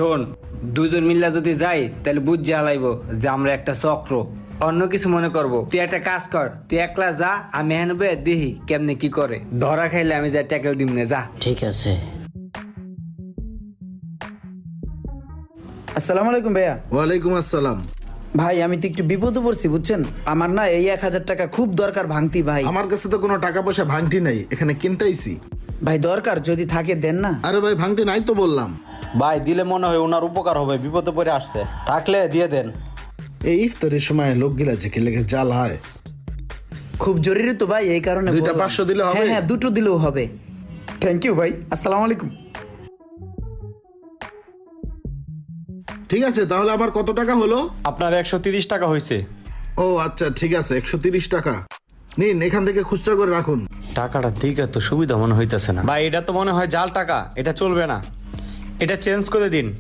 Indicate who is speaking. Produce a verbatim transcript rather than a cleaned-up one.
Speaker 1: শোন, দুজন মিল্লা যদি যাই তাহলে বুঝ জ্বালাইব যে আমরা একটা চক্র, অন্য কিছু মনে করব। তুই একটা কাজ কর, তুই একলা যা, আমি হেনবে দেখি কেমনে কি করে। ধরা খাইলে আমি যা ট্যাকেল দিম না, যা।
Speaker 2: ঠিক আছে।
Speaker 3: আসসালামু আলাইকুম ভাইয়া।
Speaker 4: ওয়ালাইকুম আসসালাম।
Speaker 3: ভাই আমি তো একটু বিপদে পড়ছি বুঝছেন, আমার না এই এক হাজার টাকা খুব দরকার ভাঙতি ভাই।
Speaker 4: আমার কাছে তো কোনো টাকা পয়সা ভাঙতি নাই, এখানে কিনতেইছি।
Speaker 3: ভাই দরকার, যদি থাকে দেন না।
Speaker 4: আরে ভাই ভাঙতি নাই তো বললাম।
Speaker 5: ভাই দিলে মনে হয় ওনার উপকার হবে, বিপদে পড়ে আসছে, থাকলে দিয়ে দেন।
Speaker 4: এই ইফতারের সময় লোকগুলা যে কি লেগে জাল হয়।
Speaker 3: খুব জরুরি তো ভাই, এই কারণে
Speaker 4: দুইটা
Speaker 3: বললাম।
Speaker 4: পাঁচশো দিলে হবে?
Speaker 3: হ্যাঁ হ্যাঁ, দুটো দিলেও হবে। থ্যাংক ইউ ভাই, আসসালামু আলাইকুম।
Speaker 4: ঠিক আছে, তাহলে আমার কত টাকা হলো?
Speaker 6: আপনার একশো তিরিশ টাকা হয়েছে।
Speaker 4: ও আচ্ছা ঠিক আছে, একশো তিরিশ টাকা নিন, এখান থেকে খুচরা করে রাখুন।
Speaker 6: টাকাটা দিকে তো সুবিধা মনে হইতেছে না ভাই, এটা তো মনে হয় জাল টাকা, এটা চলবে না, এটা চেঞ্জ করে দিন।